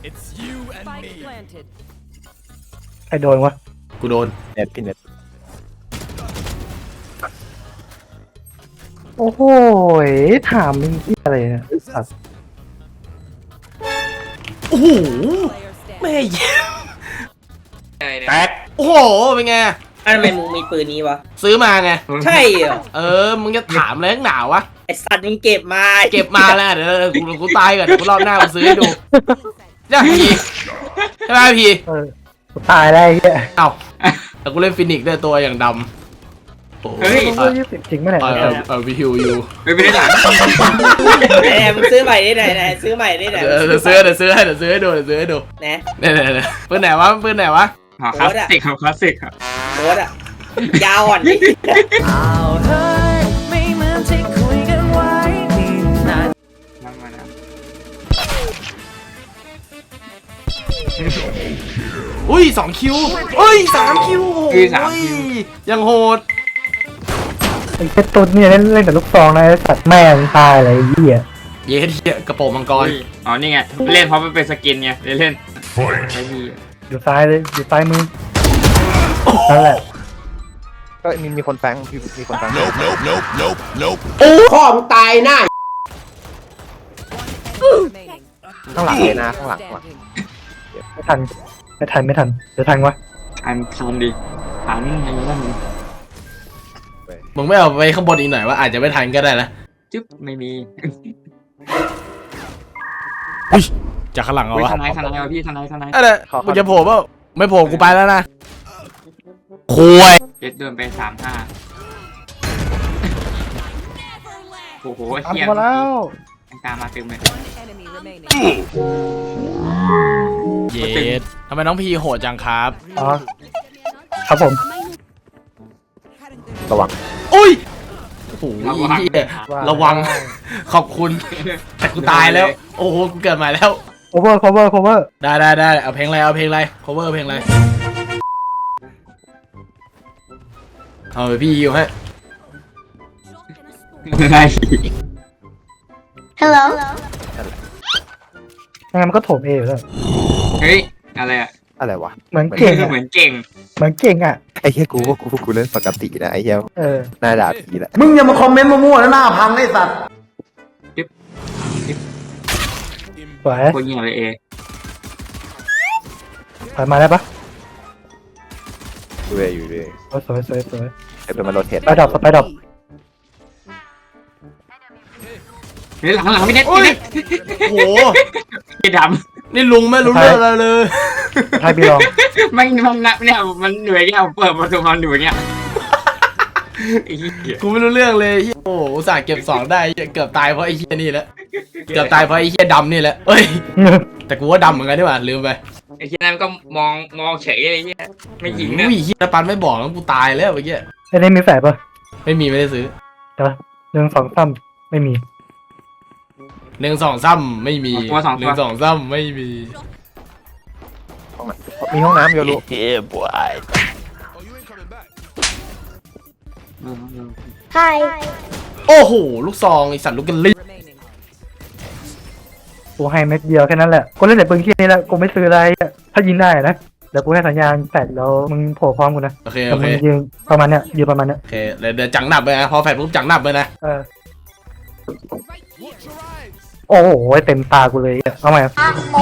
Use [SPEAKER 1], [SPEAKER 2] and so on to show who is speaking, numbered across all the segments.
[SPEAKER 1] It's you and me.
[SPEAKER 2] ใครโดนวะ
[SPEAKER 3] กูโดน
[SPEAKER 4] เน็ตพี่เน็ต
[SPEAKER 2] โอ้โหถามมึงที่อะไรเนี่ยสัตว์
[SPEAKER 3] โอ้โหแม่เยี่ยมแตกโอ้โหเป็นไง
[SPEAKER 5] ทำไมมึงมีปืนนี้วะ
[SPEAKER 3] ซื้อมาไง
[SPEAKER 5] ใช่เหรอ
[SPEAKER 3] มึงจะถามอะไรนักหนาวะ
[SPEAKER 5] ไอสัตว์มึงเก็บมา
[SPEAKER 3] เก็บมาแล้วเดี๋ยวกูตายก่อนเดี๋ยวกูรอบหน้ากูซื้อให้ดูจ้าพี่ใช่ไหมพี่
[SPEAKER 2] กูตายแล้วไอ้เหี้ย
[SPEAKER 3] เอ้าแต่กูเล่นฟินิกซ์ด้วยตัวอย่างดำโอ้
[SPEAKER 5] เฮ้ย
[SPEAKER 2] จริงไหมเนี่ย
[SPEAKER 3] วิฮิวยู
[SPEAKER 6] ไม่ได้หลัง
[SPEAKER 5] ไหนมึงซื้อใหม่ได้ไหนซื้อใหม่ได้ไหน
[SPEAKER 3] เดี๋ยวซื้อให้ดู
[SPEAKER 5] นะ
[SPEAKER 3] เนี่ยปืนไหนวะปืนไหนวะ
[SPEAKER 6] คลาสสิกครับคลาสสิกครับ
[SPEAKER 5] โคตรอะยาวอ่อนนี่
[SPEAKER 6] นั่งมานะ
[SPEAKER 3] อุ้ย2 คิวอุ้ย3 คิวโอ้ยยังโหด
[SPEAKER 2] ไอ้เจ้าตุ๊ดเนี่ยเล่นแต่ลูกซองนะไอ้สัตว์แม่งตายอะไรไอ้เหี้ย
[SPEAKER 3] เย้เหี้ยกระโปรงมังกร
[SPEAKER 6] อ๋อนี่ไงเล่นเพราะมันเป็นสกินไงเล่นไอ้ดี
[SPEAKER 2] อยู่ซ้ายเลยอยู่ซ้ายมือนั่นแหละ
[SPEAKER 4] ก็มีคนแฟงมีคนแฟง
[SPEAKER 5] พ่อมึงตายหน้า
[SPEAKER 4] ข้างหลังเลยนะข้างหลังว่ะ
[SPEAKER 2] ไม่ทันจะทันวะ
[SPEAKER 6] ทันดิทันไอ้นั่น
[SPEAKER 3] มึงไม่เอาไปข้างบนอีกหน่อยว่าอาจจะไม่ทันก็ได้นะ
[SPEAKER 6] จึ๊บไม่มี
[SPEAKER 3] จากข้างหลังเอาวะ
[SPEAKER 6] ทนายเอาพี่ทนาย
[SPEAKER 3] อะไรมึงจะโผล่เปล่าไม่โผล่กูไปแล้วนะคุย
[SPEAKER 6] เจ็ดเดินไป35โอ้โห
[SPEAKER 2] ทำ
[SPEAKER 6] เฮีย
[SPEAKER 2] มาแล้ว
[SPEAKER 6] ตามมาเต็มเลย
[SPEAKER 3] เย็ดทำไมน้องพีโหดจังครับ
[SPEAKER 2] อ๋อครับผม
[SPEAKER 4] ระวัง
[SPEAKER 3] อุ้ยโอ้โหเหี้ยระวังขอบคุณแต่กูตายแล้วโอ้โหกูเกิดใหม่แล้ว
[SPEAKER 2] cover
[SPEAKER 3] ได้เอาเพลงอะไรcover เพลงอะไรเอาไปพี่ยิวให้
[SPEAKER 6] ได้
[SPEAKER 7] Hello.
[SPEAKER 2] งั้นมันก็โถมเออยู่แล้ว
[SPEAKER 6] เฮ้ยอะไรอ่ะ
[SPEAKER 4] อะไรวะ
[SPEAKER 2] เหมือนเก่งอะ
[SPEAKER 6] เหมือนเก่ง
[SPEAKER 4] ไอ้เหี้ยกูเล่นปกตินะไอ้เหี้ย
[SPEAKER 2] เออ
[SPEAKER 4] หน้าด่าผีแหละ
[SPEAKER 3] มึงอย่ามาคอมเมนต์มั่วๆแล้วหน้าพังไอ้สัตว์
[SPEAKER 2] สวย
[SPEAKER 6] โคตรเงี้ยเลยเอ
[SPEAKER 2] ถอยมาได้ปะ
[SPEAKER 4] ดูเลยอยู่เลย
[SPEAKER 2] สวย
[SPEAKER 4] เดี๋ยวมันโรเทต
[SPEAKER 2] ไปดรอป
[SPEAKER 6] เฮ้ยหลังไม่เน็ต
[SPEAKER 3] โอ้ยโอ้โห
[SPEAKER 6] ไม่ด
[SPEAKER 3] นี่ลุงไม่รู้เรื่องอะไรเลย
[SPEAKER 2] ไทยบีลอง
[SPEAKER 6] ำมันเนี่ยมันเหนื่อยเนี่ยเปิดประตูมันอยู่เนี่ยไอ้เหี้ย
[SPEAKER 3] กูไม่รู้เรื่องเลยเหี้ยโอ้โหอุตส่าห์เก็บ2ได้เหี้ยเกือบตายเพราะไอ้เหี้ยนี่แหละเกือบตายเพราะไอ้เหี้ยดำนี่แหละเอ้ยแต่กูว่าดำเหมือนกันดีกว่าลืมไป
[SPEAKER 6] ไอ้เหี้ยนั่นก็มองเฉยไอ้เหี้ยไม่ยิงนะ
[SPEAKER 3] อุ้ยเหี้ยปันไม่บอกแล้วกูตายแล้วเมื่อกี้
[SPEAKER 2] ไอ้นี่มีแฝดปะ
[SPEAKER 3] ไม่มีไม่ได้ซื้อ
[SPEAKER 2] เดี๋ยว1 2 3ไม่มี
[SPEAKER 3] 1 2 3ไม่มี1 2 3ไม่มี
[SPEAKER 4] มีห้องน้ำโยรุ
[SPEAKER 7] Hi.
[SPEAKER 3] โอ้โหลูกซองไอสัตว์ลูกกันลิ้น
[SPEAKER 2] กูให้เม็ดเดียวแค่นั้นแหละกูเล่นแต่ปืนขี้นี่แหละกูไม่ซื้ออะไรอะถ้ายิงได้นะเดี๋ยวกูให้สัญญาณแฝดแล้วมึงโผล่พร้อมกูนะ
[SPEAKER 3] โอเค
[SPEAKER 2] แต่มึงยืนประมาณเนี้ยยืนประมาณเนี้ย
[SPEAKER 3] โอเคเดี๋ยวจังหนับไปนะพอแฟดปุ๊บจังหนับไปนะ
[SPEAKER 2] โอ้โหเต็มตากูเลยเอาใหม่
[SPEAKER 6] นะโม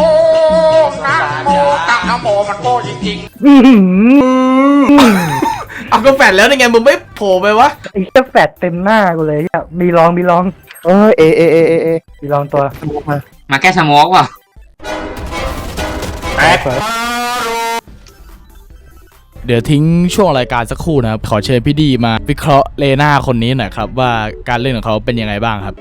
[SPEAKER 6] มันโง่จริง
[SPEAKER 2] อื้อหือ
[SPEAKER 3] เอาก็แฟดแล้วนี่ไงมึงไม่โผล่ไปวะ
[SPEAKER 2] ไอ้เจ้าแฟดเต็มหน้ากูเลยอะมีลอง
[SPEAKER 4] เอ
[SPEAKER 2] มีลองตัว
[SPEAKER 4] สมุกมา
[SPEAKER 6] มาแค่สโมกว่ะ
[SPEAKER 2] แตก
[SPEAKER 1] เดี๋ยวทิ้งช่วงรายการสักครู่นะครับ ขอเชิญพี่ดีมาวิเคราะห์เลน่าคนนี้หน่อยครับว่าการเล่นของเขาเป็นยังไงบ้างครับ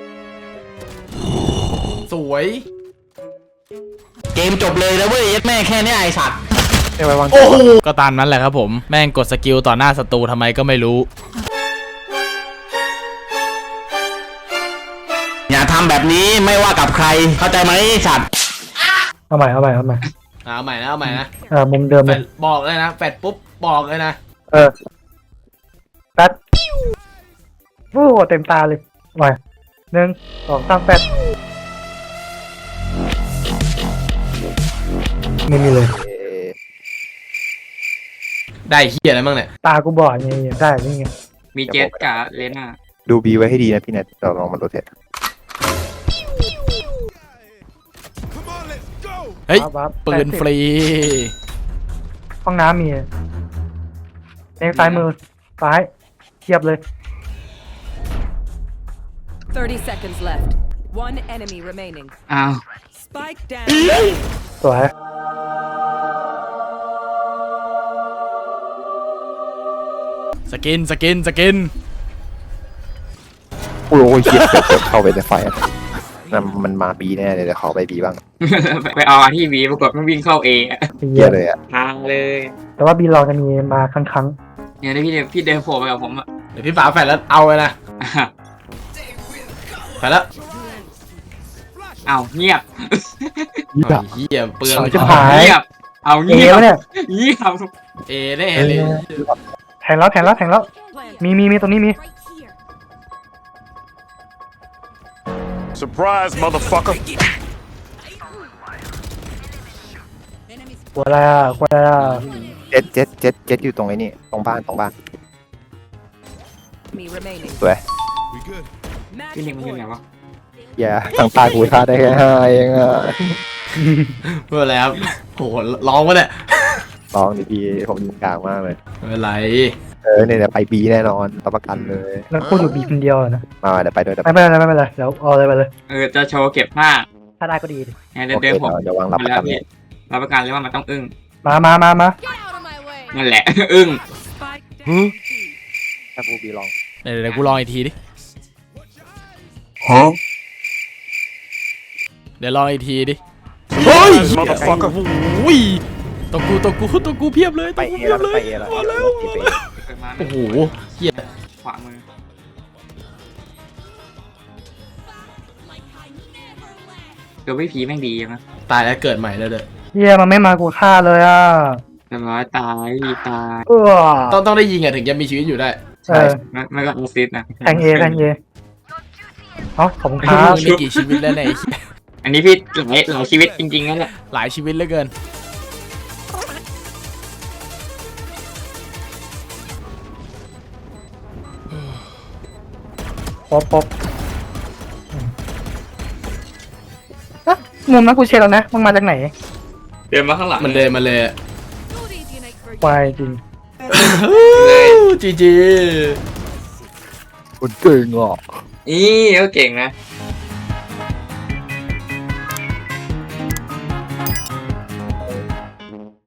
[SPEAKER 3] สวย
[SPEAKER 1] เกมจบเลยแล้วเว้ยแม่แค่นี้ไอสัตว์
[SPEAKER 4] ไม่ไว้วางใจ
[SPEAKER 3] โอ้โห
[SPEAKER 1] ก็ตามนั้นแหละครับผมแม่งกดสกิลต่อหน้าศัตรูทำไมก็ไม่รู้ อย่าทำแบบนี้ไม่ว่ากับใครเข้าใจไหมสัตว์
[SPEAKER 2] เอาใหม่
[SPEAKER 3] เอาใหม่นะ
[SPEAKER 2] มุมเดิม
[SPEAKER 3] แฟ
[SPEAKER 2] เลย
[SPEAKER 3] ดบอกเลยนะแฟดปุ๊บบอกเลยนะ
[SPEAKER 2] แฟดโอ้เต็มตาเลยเอาใหม่1 2 3แฟดไม่มีเลย
[SPEAKER 3] ได้เฮียอะไรบ้างเนี่ย
[SPEAKER 2] ตากูบอดไงได้นี่ไง
[SPEAKER 6] มีเจสกับเลน่า
[SPEAKER 4] ดูบีไว้ให้ดีนะพี่เน็ตเราลองมาโรเทต
[SPEAKER 1] เฮ้ย
[SPEAKER 2] วับ
[SPEAKER 1] ปืนฟรี
[SPEAKER 2] ห้องน้ำมีในซ้ายมือซ้ายเทียบเลย
[SPEAKER 7] 30 seconds left. One enemy remaining.
[SPEAKER 6] อ้าว
[SPEAKER 7] Spike down.
[SPEAKER 2] สวย
[SPEAKER 1] สกิน
[SPEAKER 4] โอ้ยเหี้ยเกือบเข้าไปในไฟอะนั่นมันมาบีแน่เลยเดี๋ยวขอไปบีบ้าง
[SPEAKER 6] ไปเอาที่บีปรากฏมันวิ่งเข้าเอ
[SPEAKER 4] เหี้ยเลยอะ
[SPEAKER 6] ทางเลย
[SPEAKER 2] แต่ว่าบีเราจะมีมาครั้ง
[SPEAKER 6] เนี่ยพี่เดินโผล่ไปกับผมอ่ะ
[SPEAKER 3] เดี๋ยวพี่ฝาแฝดแล้วเอาเลยนะไปแล้ว
[SPEAKER 6] เอาเงียบ
[SPEAKER 3] เอาเฮียเปลือง
[SPEAKER 2] ๆจะหาย
[SPEAKER 6] เงียบเอา
[SPEAKER 2] เอ
[SPEAKER 6] เงียบ
[SPEAKER 2] วะเนี่ย
[SPEAKER 6] เงียบ
[SPEAKER 3] เอแน่เลย
[SPEAKER 2] แทงแล้วมีตรงนี้มี
[SPEAKER 8] Surprise, motherfucker.
[SPEAKER 2] กลัวอะไรอ่ะ
[SPEAKER 4] เจ็ดอยู่ตรงไอ้นี่ตรงบ้าน
[SPEAKER 7] Enemy remaining.
[SPEAKER 4] สวย
[SPEAKER 7] Match
[SPEAKER 6] พี่ลิงมันอยู่ไหน
[SPEAKER 7] point.
[SPEAKER 6] วะ
[SPEAKER 4] อย่าทางตากูท่าได้แค่5เองอะ
[SPEAKER 3] ไม่เป็นไรครับโหร้องวะเนี่ย
[SPEAKER 4] ลองดิพี่ผมยิงกลางมากเลย
[SPEAKER 3] ไม่เป็นไร
[SPEAKER 4] เนี่ยไปบีแน่นอนรับประกันเลย
[SPEAKER 2] แล้วกูอยู่บีคนเดียวนะ
[SPEAKER 4] มาเดี๋ยวไปด้วย
[SPEAKER 2] ไม่เป็นไรเดี๋ยวเอาเลยไปเลย
[SPEAKER 6] จะโชว์เก็บผ้า
[SPEAKER 2] ถ้าได้ก็ดี
[SPEAKER 6] เนี่ย
[SPEAKER 4] โอเค
[SPEAKER 6] เดินผม
[SPEAKER 4] เดี๋ยววางรับประกันเลย
[SPEAKER 6] รับประกันเลยว่ามันต้องอึ้ง
[SPEAKER 2] มา
[SPEAKER 6] นั่นแหละ อึ้ง
[SPEAKER 7] Spike down.
[SPEAKER 4] ถ้ากูบีลอง
[SPEAKER 1] เดี๋ยวกูลองอีกทีดิเดี๋ยวลองอีกทีดิ
[SPEAKER 8] Surprise, motherfucker.
[SPEAKER 1] โอ้ยตัวกูเพียบเลย
[SPEAKER 4] ไป
[SPEAKER 1] ตัวกู
[SPEAKER 4] เอ
[SPEAKER 1] เพีย
[SPEAKER 4] แล้
[SPEAKER 1] บ
[SPEAKER 4] ว
[SPEAKER 1] เลย
[SPEAKER 4] ไปเอแล้ว
[SPEAKER 1] มาแล้ว
[SPEAKER 6] เกิดมา
[SPEAKER 3] โอ้โหเฮีย
[SPEAKER 6] ขวามือ เดี๋ยวไม่ผีแม่งดีนะ
[SPEAKER 3] ตายแล้วเกิดใหม่แล้วเด้อ
[SPEAKER 2] เฮียมันไม่มากูฆ่าเลยอ่ะ
[SPEAKER 6] เรียบร้อยตายตาย
[SPEAKER 3] ต้องได้ยิงอ่ะถึงจะมีชีวิตอยู่ได้
[SPEAKER 6] ไม่ก็ออซิสนะ
[SPEAKER 2] แทงเอขอบคุณครับ
[SPEAKER 1] มึงมีกี่ชีวิตแล้วเนี่ยไอ้เหี้ย
[SPEAKER 6] อันนี้พี่หลายชีวิตจริงๆนั่นแหละ
[SPEAKER 1] หลายชีวิตเหลือเกิน
[SPEAKER 2] ปบมุมนั้นกูเช็คแล้วนะมึงมาจากไหน
[SPEAKER 6] เดินมาข้างหลัง
[SPEAKER 3] มันเดินมาเลย
[SPEAKER 2] วายจริง
[SPEAKER 3] จีจี
[SPEAKER 4] คุณเก่งอ่ะ
[SPEAKER 6] อีเขาเก่งนะ